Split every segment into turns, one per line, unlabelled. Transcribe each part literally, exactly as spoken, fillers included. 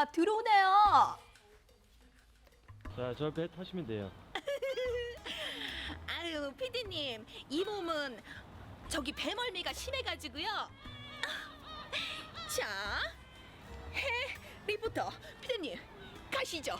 배가 들어오네요.
자, 저 배 타시면 돼요.
아유, 피디님, 이 몸은 저기 배멀미가 심해가지고요. 자, 해 리포터, 피디님 가시죠.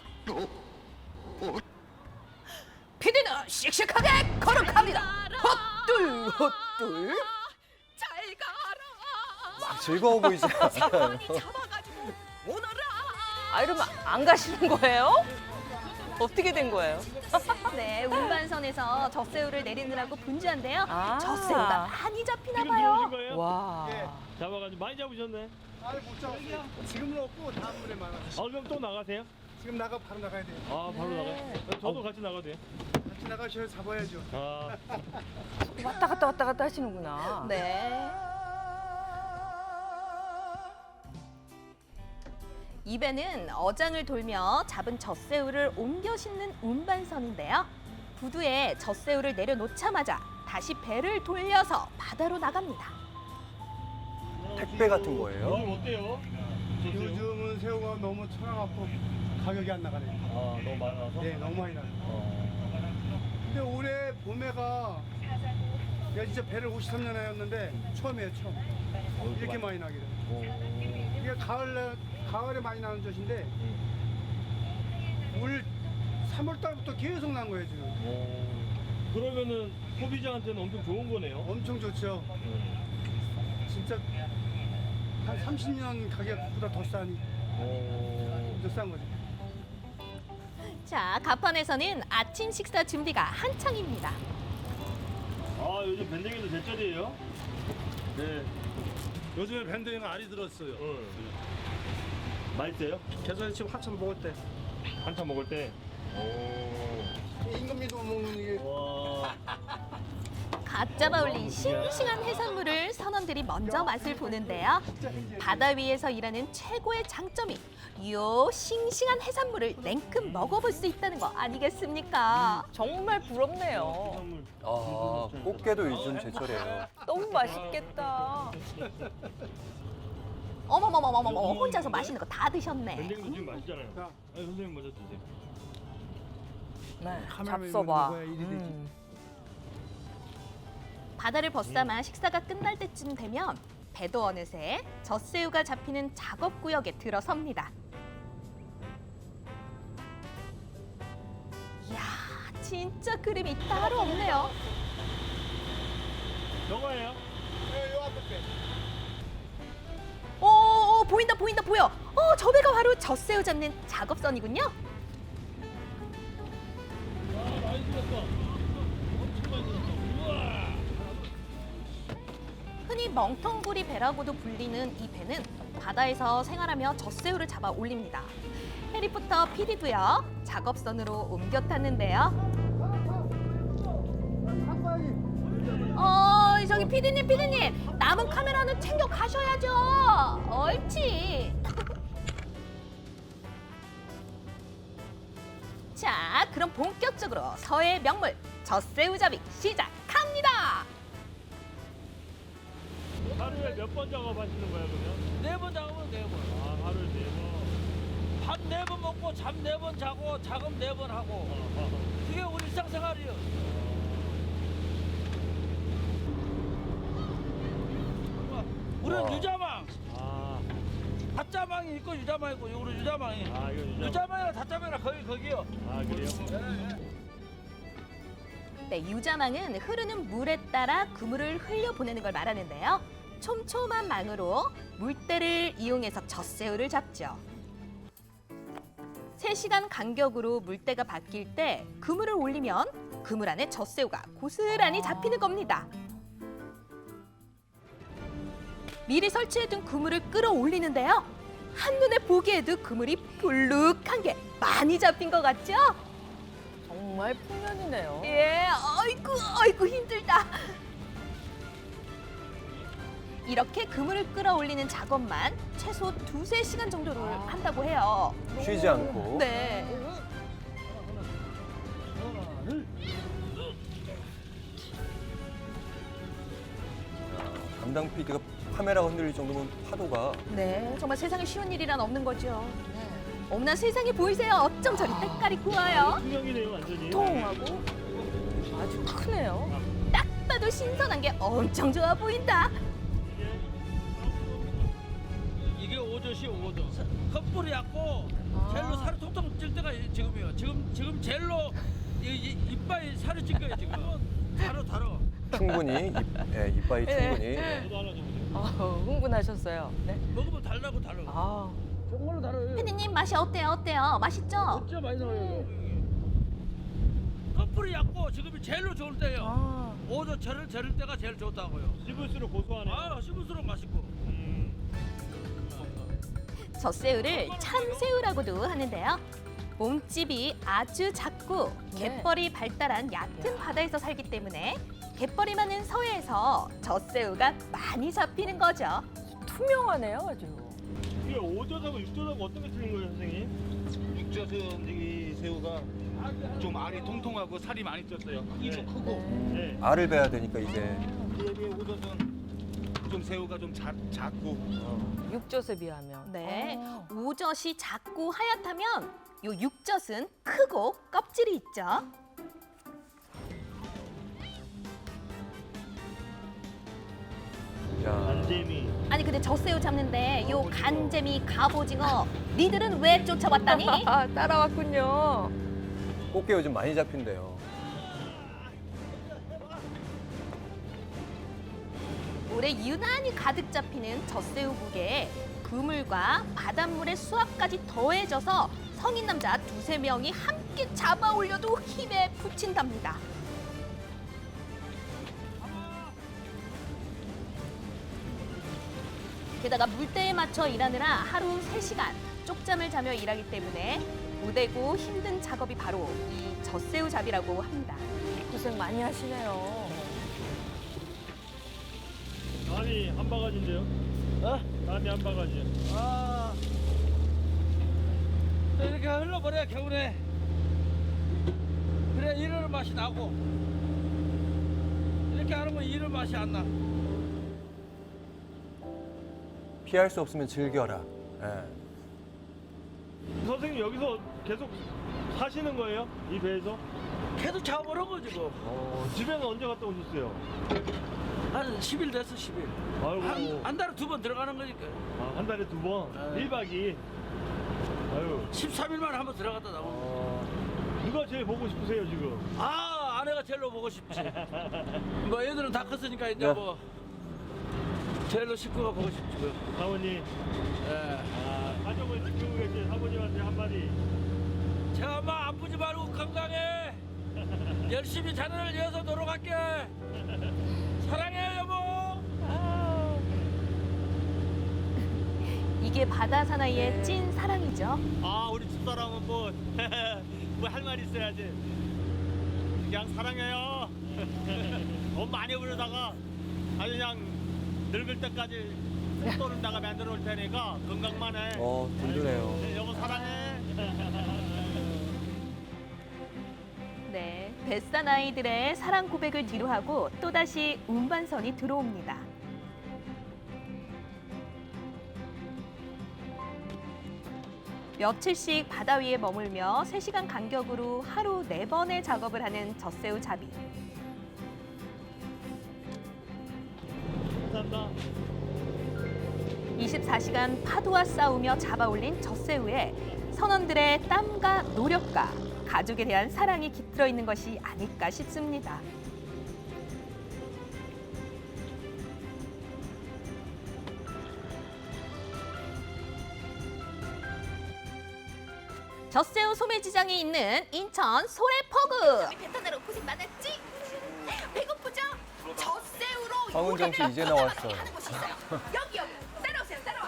피디는 씩씩하게 걸어갑니다. 헛둘 헛둘. 잘 가라.
막 즐거워 보이지 않아요.
많이 잡아가지고 오너라.
아, 이러면 안 가시는 거예요? 어떻게 된 거예요?
네, 운반선에서 젖새우를 내리느라고 분주한데요.
아.
젖새우가 많이 잡히나
지금
봐요.
들어오신 거예요?
와.
잡아가지고 많이 잡으셨네.
아니 못 잡았어요. 지금은 없고 다음 물에 많아.
아, 그럼 또 나가세요?
지금 나가 바로 나가야 돼요.
아, 바로 나가요? 저도 같이 나가도 돼요?
같이 나가셔야 잡아야죠.
아,
왔다 갔다 왔다 갔다 하시는구나.
네. 이 배는 어장을 돌며 잡은 젖새우를 옮겨 싣는 운반선인데요. 부두에 젖새우를 내려놓자마자 다시 배를 돌려서 바다로 나갑니다.
택배 같은 거예요?
요즘 어때요? 좋대요?
요즘은 새우가 너무 천하갖고 가격이 안 나가네요.
아, 너무 많아서?
네, 너무 많이 나요.
어.
근데 올해 봄에가 내가 진짜 배를 오십삼 년 하였는데 처음이에요, 처음.
어,
이렇게 많이 나기를.
오.
이게 가을 가을에 많이 나는 젖인데 올 삼월 달부터 계속 난 거예요, 지금.
오. 그러면은 소비자한테는 엄청 좋은 거네요?
엄청 좋죠.
음.
진짜 한 삼십 년 가격보다 더 싸니.
오.
더 싼 거죠.
자, 가판에서는 아침 식사 준비가 한창입니다.
아, 요즘 밴댕이도 제철이에요? 네.
요즘에 밴드에는 알이 들었어요.
응. 맛있어요?
그래서 지금 한참 먹을 때.
한참 먹을 때. 오.
임금님도 못 먹는 이게
와.
갓 잡아 올린 싱싱한 해산물을 선원들이 먼저 맛을 보는데요. 바다 위에서 일하는 최고의 장점이 요 싱싱한 해산물을 냉큼 먹어볼 수 있다는 거 아니겠습니까?
정말 부럽네요.
해산물.
아, 꽃게도 요즘 제철이에요.
너무 맛있겠다.
어머머머머머, 혼자서 맛있는 거 다 드셨네.
밴댕이도 지금 맛있잖아요.
자.
아니, 선생님 먼저 드세요.
네,
카메라맨
잡숴봐.
먹어야 일이 되지.
음.
바다를 벗삼아 식사가 끝날 때쯤 되면 배도 어느새 젖새우가 잡히는 작업구역에 들어섭니다. 이야, 진짜 그림이 따로 없네요.
저거예요?
요 앞에 배.
오, 오, 보인다 보인다 보여. 어, 저 배가 바로 젖새우 잡는 작업선이군요.
많이 들었어. 엄청 많이 들었어. 우와.
흔히 멍텅구리 배라고도 불리는 이 배는 바다에서 생활하며 젖새우를 잡아 올립니다. 해리포터 피디도요, 작업선으로 옮겨 탔는데요. 어, 저기 피디님, 피디님, 남은 카메라는 챙겨 가셔야죠. 옳지. 자, 그럼 본격적으로 서해 명물 젖새우 잡이 시작합니다.
하루에 몇 번 작업하시는 거예요, 그러면?
네 번 작으면 네 번.
아, 하루에 네 번.
밥 네 번 먹고 잠 네 번 자고 작업 네 번 하고. 그게 우리 일상생활이에요. 우리는
와.
유자망.
아,
닷자망이 있고 유자망이 있고 우리 유자망이.
아, 이거 유자.
유자망이랑 닷자망이랑 거기 거기요.
아, 그래요?
네, 유자망은 흐르는 물에 따라 그물을 흘려보내는 걸 말하는데요. 촘촘한 망으로 물대를 이용해서 젖새우를 잡죠. 세 시간 간격으로 물대가 바뀔 때 그물을 올리면 그물 안에 젖새우가 고스란히 잡히는 겁니다. 미리 설치해둔 그물을 끌어올리는데요. 한눈에 보기에도 그물이 볼룩한 게 많이 잡힌 것 같죠?
정말 풍년이네요.
예, 아이고, 아이고 힘들다. 이렇게 그물을 끌어올리는 작업만 최소 두세 시간 정도를 한다고 해요.
쉬지 않고.
네.
담당 피디가 카메라가 흔들릴 정도면 파도가
네, 정말 세상에 쉬운 일이란 없는 거죠. 네. 어머나 세상에 보이세요? 어쩜 저리 때깔이 구워요?
투명이네요 완전히.
통하고 아주 크네요.
딱 봐도 신선한 게 엄청 좋아 보인다.
이게 오젓이 오젓. 컵불이 약고
아.
젤로 살이 통통 찔 때가 지금이에요. 지금 지금 젤로 이, 이, 이빨이 살이 찔 거예요 지금. 다뤄 다뤄.
충분히 입, 예, 이빨이
네.
충분히. 예.
저도 하나 좀.
아, 흥분하셨어요. 네.
먹으면 달라고 달라.
아,
정말로 달아요.
피디님 맛이 어때요? 어때요? 맛있죠?
진짜 많이 나와요. 컵불이 약고 지금이 젤로 좋을 때예요.
아.
오젓 절을 절을 때가 제일 좋다고요.
씹을수록 고소하네요.
아 씹을수록 맛있고.
음.
젖새우를 참새우라고도 하는데요. 몸집이 아주 작고
네.
갯벌이 발달한 얕은 바다에서 살기 때문에 갯벌이 많은 서해에서 젖새우가 많이 잡히는 거죠.
투명하네요, 아주.
이게 오젓하고 육젓하고 어떤 게 틀린 거예요 선생님?
육젓은 이 새우가 좀 알이 통통하고 살이 많이 쪘어요.
입도
크고.
네.
알을 베야 되니까 이제.
이에 비해 오젓은 좀 새우가 좀 작, 작고.
육젓에 비하면.
네,
아.
오젓이 작고 하얗다면 요 육젓은 크고 껍질이 있죠.
야,
안재미.
아니 근데 젖새우 잡는데 요 간재미, 갑오징어 니들은 왜 쫓아왔다니?
아, 따라왔군요.
꽃게 요즘 많이 잡힌대요.
올해 유난히 가득 잡히는 젖새우 무게에 그물과 바닷물의 수압까지 더해져서 성인 남자 두세 명이 함께 잡아 올려도 힘에 부친답니다. 게다가 물때에 맞춰 일하느라 하루 세 시간 쪽잠을 자며 일하기 때문에 고되고 힘든 작업이 바로 이 젖새우 잡이라고 합니다.
고생 많이 하시네요.
남이 한 바가지인데요.
어?
남이 한 바가지.
아. 또 이렇게 흘러버려 겨울에. 그래 이런 맛이 나고. 이렇게 안 하면 이런 맛이 안 나.
피할 수 없으면 즐겨라. 예.
선생님 여기서 계속 사시는 거예요? 이 배에서?
계속 잡아버려 거 지금.
어, 집에는 언제 갔다 오셨어요?
한 십 일 됐어 십 일.
아이고.
한, 한 달에 두 번 들어가는 거니까.
아, 한 달에 두 번?
네.
일 박이? 아유.
십삼 일 만에 한 번 들어갔다 나오고.
어, 누가 제일 보고 싶으세요 지금?
아 아내가 제일로 보고 싶지. 뭐 애들은 다 컸으니까 이제
네.
뭐 제일로 식구가 보고 싶지. 뭐.
사모님.
예.
아, 가족을 지키고 계신 사모님한테 한마디.
제가 엄마 아프지 말고 건강해. 열심히 자네를 위해서 노력할게. 사랑해 여보.
이게 바다 사나이의
네.
찐 사랑이죠.
아 우리 집사람은 뭐 뭐 할 말 있어야지. 그냥 사랑해요. 돈 많이 부르다가 아주 그냥 늙을 때까지 돈은 내가 만들어 올 테니까 건강만 해.
어, 든든해요.
네, 여보 사랑해.
네, 뱃사나이들의 사랑 고백을 뒤로하고 또다시 운반선이 들어옵니다. 며칠씩 바다 위에 머물며 세 시간 간격으로 하루 네 번의 작업을 하는 젖새우 잡이.
감사합니다.
이십사 시간 파도와 싸우며 잡아올린 젖새우에 선원들의 땀과 노력과 가족에 대한 사랑이 깃들어 있는 것이 아닐까 싶습니다. 젖새우 소매지장이 있는 인천 소래포구. 베트남으로 고생 많았지? 배고프죠? 젖새우로
황은정 씨 이제 나왔어요.
하는 곳이 있어요. 여기 여기 따라오세요. 따라와.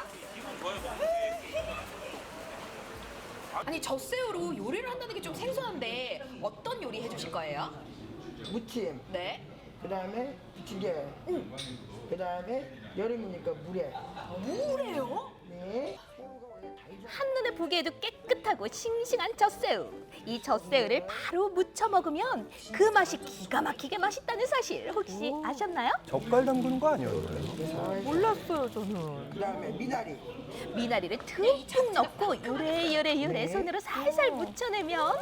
아니 젖새우로 요리를 한다는 게 좀 생소한데 어떤 요리 해주실 거예요?
무침,
네.
그 다음에 부침개, 그 다음에 여름이니까 물에.
뭐래요?
네. 새우가 원래 다 익어.
한눈에 보기에도 깨끗 쫄깃하고 싱싱한 젖새우. 이 젖새우를 바로 무쳐 먹으면 그 맛이 기가 막히게 맛있다는 사실 혹시 아셨나요?
젓갈 담그는 거 아니었나요?
몰랐어요, 저는.
그다음에 미나리.
미나리를 듬뿍 넣고 요래요래 요래 손으로 살살 묻혀내면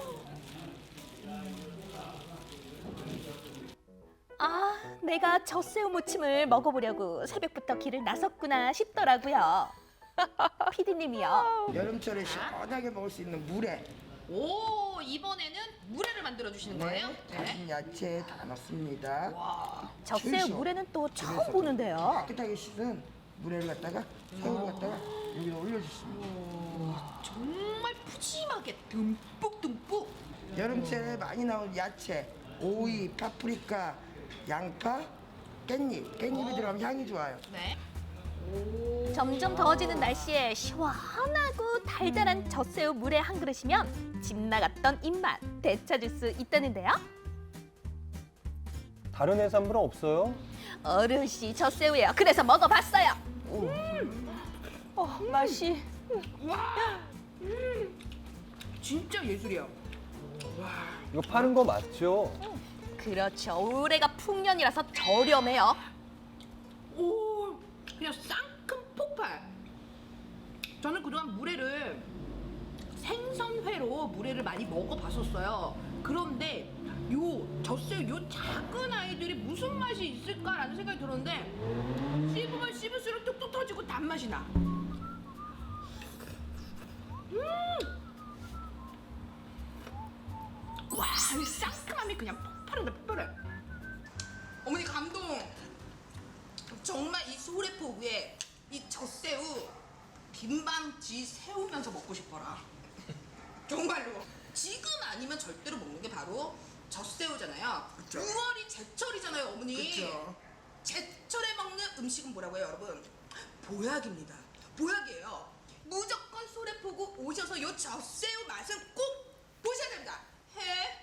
아, 내가 젖새우 무침을 먹어보려고 새벽부터 길을 나섰구나 싶더라고요. 피디님이요.
여름철에 시원하게 먹을 수 있는 물회.
오, 이번에는 물회를 만들어 주시는 거예요?
네. 다진 야채 다 넣습니다.
젖새우
최소.
물회는 또 처음
그래서
보는데요.
깨끗하게 씻은 물회를 갖다가 새우를 갖다가 여기다 올려주십니다.
정말 푸짐하게 듬뿍 듬뿍.
여름철에 많이 나오는 야채, 오이, 파프리카, 양파, 깻잎. 깻잎이 들어가면 향이 좋아요.
네.
점점 더워지는 날씨에 시원하고 달달한 젖새우 물회 한 그릇이면 집 나갔던 입맛 되찾을 수 있다는데요.
다른 해산물은 없어요?
어르시 젖새우예요. 그래서 먹어봤어요.
어, 맛이.
진짜 예술이야.
이거 파는 거 맞죠?
그렇죠. 올해가 풍년이라서 저렴해요.
오, 그냥 쌍큼 폭발. 저는 그동안 물회를 생선회로 물회를 많이 먹어봤었어요. 그런데 요 젖새우 요 작은 아이들이 무슨 맛이 있을까라는 생각이 들었는데 씹으면 씹을수록 뚝뚝 터지고 단맛이 나. 음! 와, 이 상큼함이 그냥 폭발한다, 폭발해. 어머니 감동. 정말 이 소래포 위에 이 젖새우 김방지 세우면서 먹고 싶어라. 정말로. 지금 아니면 절대로 먹는 게 바로 젖새우잖아요.
그쵸.
유월이 제철이잖아요, 어머니.
그쵸.
제철에 먹는 음식은 뭐라고요, 여러분? 보약입니다. 보약이에요. 무조건 소래포구 오셔서 요 젖새우 맛은 꼭 보셔야 됩니다. 해